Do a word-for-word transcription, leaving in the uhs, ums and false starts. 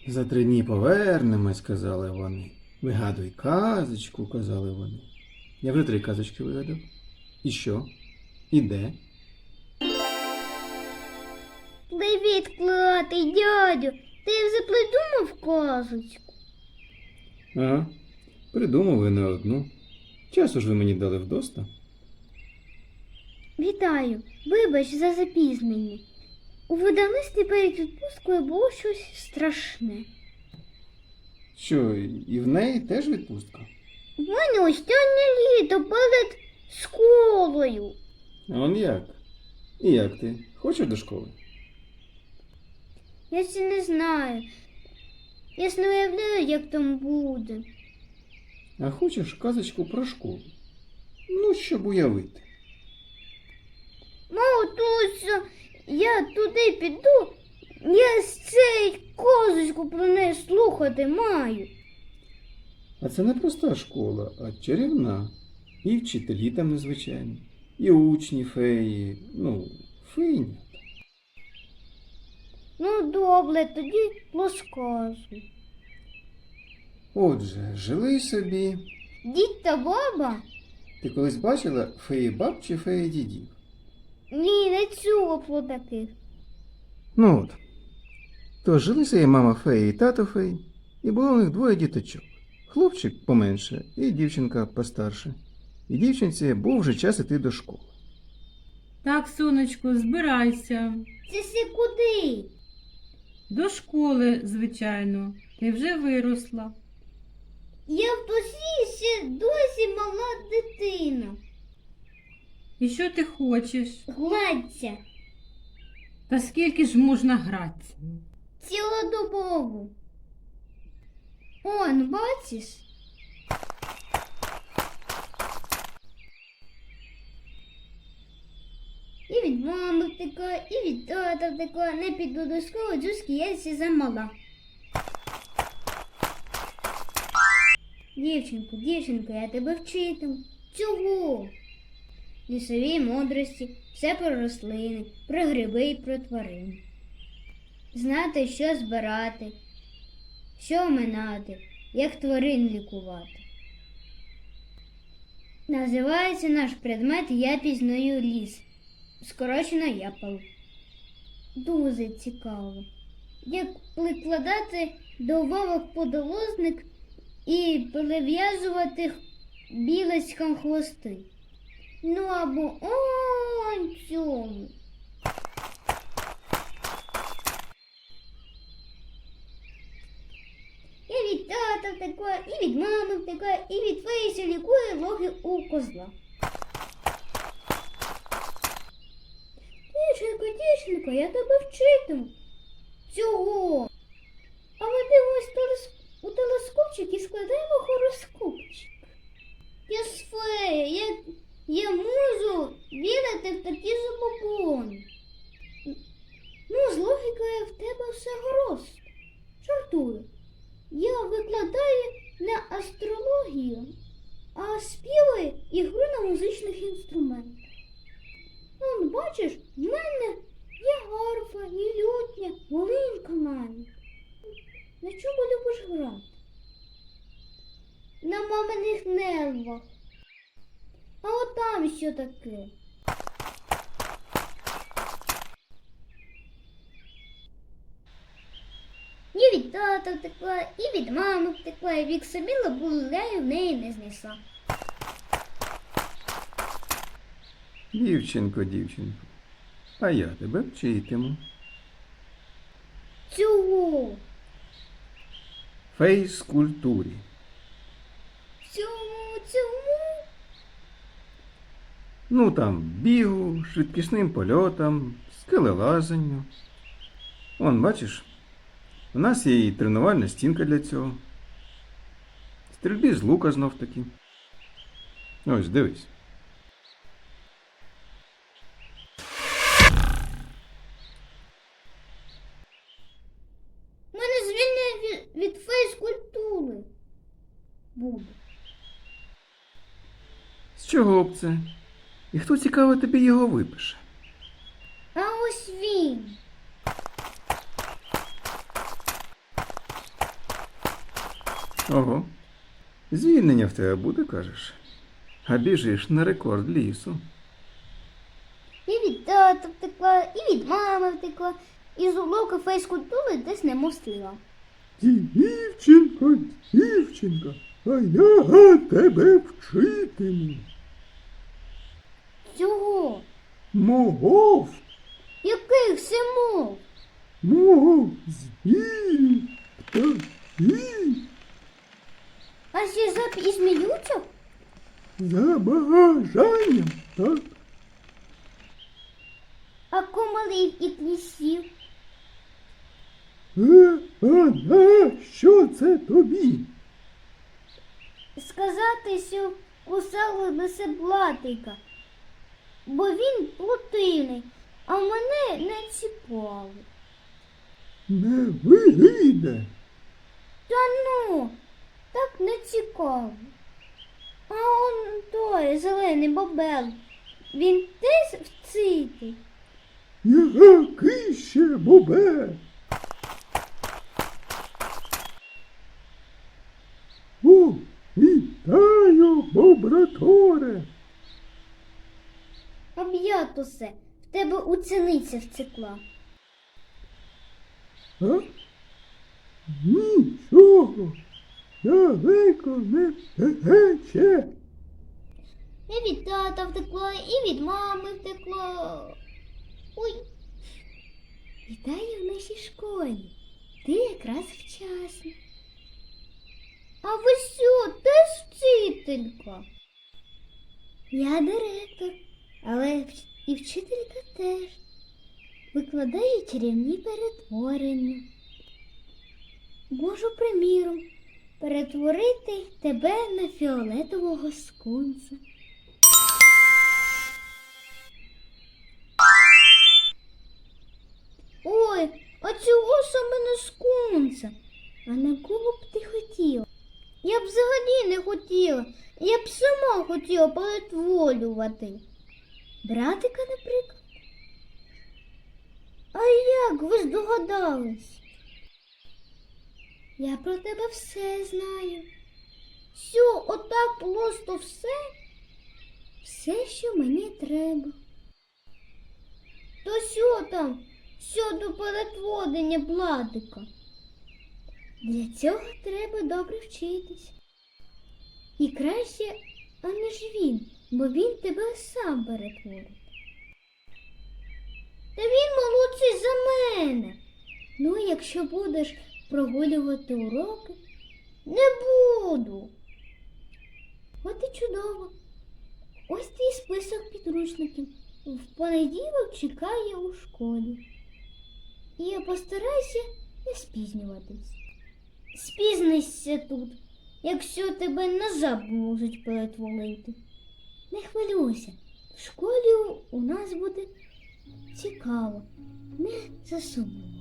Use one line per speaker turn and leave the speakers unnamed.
За три дні повернемось, казали вони. Вигадуй казочку, казали вони. Я вже три казочки вигадав. І що? І де?
Привіт, клятий дядю. Ти вже придумав казочку?
Ага, придумав ви не одну. Часу ж ви мені дали вдоста.
Вітаю. Вибач за запізнення. У видавництві перед відпусткою було щось страшне.
Що, і в неї теж відпустка?
У мене останнє літо перед школою.
А он як? І як ти? Хочеш до школи?
Я ще не знаю. Я ж не уявляю, як там буде.
А хочеш казочку про школу? Ну, щоб уявити.
Мамо, Туся, я туди піду, я з цей казочку про неї слухати маю.
А це не проста школа, а чарівна. І вчителі там незвичайні, і учні феї, ну, фейні.
Ну, добре, тоді розказуй.
Отже, жили собі.
Дід та баба?
Ти колись бачила феї баб чи феї дідів?
Ні, не чула про таких.
Ну от. То жили собі мама феї і тато феї, і було у них двоє діточок. Хлопчик поменше і дівчинка постарше. І дівчинці був вже час іти до школи.
Так, сонечко, збирайся.
Це си куди?
До школи, звичайно. Ти вже виросла.
Я в досі ще досі мала дитина.
І що ти хочеш?
Гладься.
Та скільки ж можна гратися?
Цілодобово. Он, бачиш? І від мами втекла, і від тата втекла. Не піду до школи, джуски, я ще замала. Дівчинко, дівчинко, я тебе вчитиму. Чого? Лісові мудрості, все про рослини, про гриби і про тварин. Знати, що збирати, що оминати, як тварин лікувати. Називається наш предмет «Я пізнаю ліс», скорочено «Япал». Дуже цікаво. Як прикладати до вовок подолозник і перев'язувати білочкам хвости. Ну або он цьому. І від тата втекла, і від мами втекла, і від феї, що лікує логи у козла. Дівчинко, дівчинко, я тебе вчитиму. Цього. А ми дивимось телес... у телескопчик і складаємо хороскопчик. Я ж фея, я, я можу вірити в такі забобони. Ну, з логікою в тебе все гаразд. Жартую. Я викладаю не астрологію, а співаю і гру на музичних інструментах. Он, бачиш, в мене є гарфа, і лютня, волинка навіть. На чому любиш грати? На маминих нервах. А от там що таке? І від тата втекла, і від мами втекла, і вік собі лабуляю в неї не знесла.
Дівчинко, дівчинко, а я тебе вчитиму.
Цього,
Фейскультурі.
цьому, цьому.
Ну там бігу, швидкісним польотам, скелелазанню. Вон, бачиш, у нас є і тренувальна стінка для цього. Стрільбі з лука знов таки. Ось, дивись.
У мене звільнення від, від фейскультури буде.
З чого б це? І хто, цікаво, тобі його випише?
А ось він.
Ого. Звільнення в тебе буде, кажеш? А біжиш на рекорд лісу.
І від тата втекла, і від мами втекла, і з уроку фейскультури десь не мостила.
Дівчинко, дівчинка, а я тебе вчитиму.
Цього?
Мов,
Яких симов?
мов, звірі, птахи,
А ще зап і зміються?
за бажанням, так?
А комарів і клісів?
Е, а на що це тобі?
Сказати, що кусали лисе блатика, бо він плутивний, а мене не ціпали.
Не вийде.
Та ну, так не цікаво. А он той зелений бобел, він теж вцитий.
Який ще бобе? О, вітаю, бобраторе.
Об'ятусе, в тебе уцениця втекла.
А? Нічого, далеко не тече.
І від тата втекла, і від мами втекла. Ой. Вітаю в нашій школі. Ти якраз вчасно. А ви що, теж вчителька? Я директор, але вч- і вчителька теж. Викладаю чарівні перетворення. Можу, приміром, перетворити тебе на фіолетового скунса. Ой, а чого саме на скунса? А на кого б ти хотіла? Я б взагалі не хотіла. Я б сама хотіла перетворювати. Братика, наприклад. А як ви здогадались? Я про тебе все знаю. Що, отак просто все? Все, що мені треба. То що там щодо перетворення бладика? Для цього треба добре вчитись. І краще, аніж він, бо він тебе сам перетворить. Та він молодший за мене. Ну, якщо будеш прогулювати уроки, не буду. От і чудово. Ось твій список підручників. В понеділок чекає у школі. І я постараюся не спізнюватись. Спізнишся тут, якщо тебе назад можуть перетворити. Не хвилюйся, в школі у нас буде цікаво, не засумуй.